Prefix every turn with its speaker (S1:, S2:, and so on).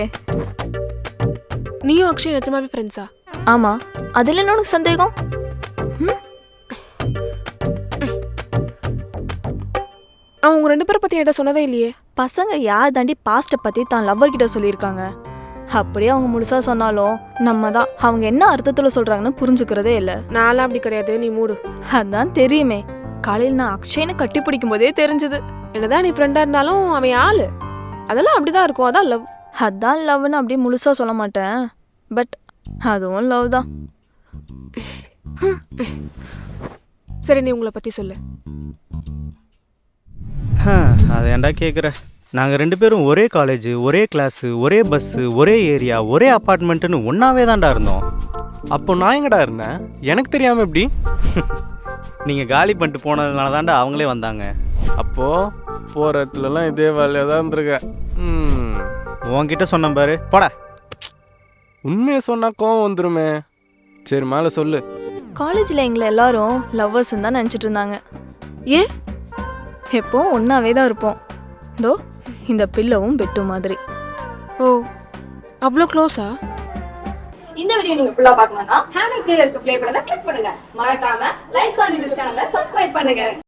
S1: நீயும் அக்ஷய் நிஜமாவே ஃப்ரெண்ட்ஸா?
S2: ஆமா, அதுல என்ன உனக்கு சந்தேகம்?
S1: அவன் உங்க 2 பேரை பத்தி என்கிட்ட சொன்னதே இல்லையே.
S2: பசங்க யார் தாண்டி பாஸ்ட்டை பத்தி தான் லவ்வர் கிட்ட சொல்லியிருக்காங்க. அப்படியே அவங்க முழுசா சொன்னாலும் நம்ம தான் அவங்க என்ன அர்த்தத்துல சொல்றாங்கன்னு புரிஞ்சுக்கிறதே இல்லை.
S1: நான்லாம் அப்படி கிடையாது, நீ மூடு.
S2: அதான் தெரியுமே, காலையில் நான் அக்ஷயனை கட்டி பிடிக்கும் போதே தெரிஞ்சது.
S1: என்னதான் நீ ஃப்ரெண்டா இருந்தாலும் அவன் ஆளு அதெல்லாம் அப்படிதான் இருக்கும். அதான் லவ்.
S2: அதான் லவ்னு அப்படியே முழுசா சொல்ல மாட்டேன், பட் அதுவும் லவ் தான்.
S1: சரி, நீ உங்களை பத்தி சொல்லு.
S3: அதை ஏன்டா கேட்குற? நாங்கள் 2 பேரும் ஒரே காலேஜ், ஒரே கிளாஸு, ஒரே பஸ்ஸு, ஒரே ஏரியா, ஒரே அப்பார்ட்மெண்ட்டுன்னு ஒன்றாவே தான்டா இருந்தோம்.
S4: அப்போ நான் எங்கடா இருந்தேன்? எனக்கு தெரியாமல் எப்படி?
S3: நீங்கள் காலி பண்ணிட்டு போனதுனால தான்டா அவங்களே வந்தாங்க.
S4: அப்போது போகிற இடத்துலலாம் இதே வேலையாக தான் இருந்திருக்க.
S3: உன்கிட்ட சொன்னேன் பாரு, போடா.
S4: உண்மையை சொன்னால் கோவம் வந்துருமே. சரி, மேலே சொல்லு.
S2: காலேஜில் எங்களை எல்லாரும் லவ்வர்ஸ்ன்னு தான் நினச்சிட்டு இருந்தாங்க.
S1: ஏன்?
S2: எப்போ ஒன்றாவே தான் இருப்போம். இதோ இந்த பில்லவும் பெட்டு மாதிரி.
S1: ஓ, அவ்வளோ க்ளோஸா?
S5: இந்த வீடியோ நீங்க ஃபுல்லா பார்க்கணும்னா ஹேண்டில் கீழ இருக்க ப்ளே பட்டனை கிளிக் பண்ணுங்க. மறக்காம லைக்ஸ் ஆன் யூடியூப் சேனலை சப்ஸ்கிரைப் பண்ணுங்க.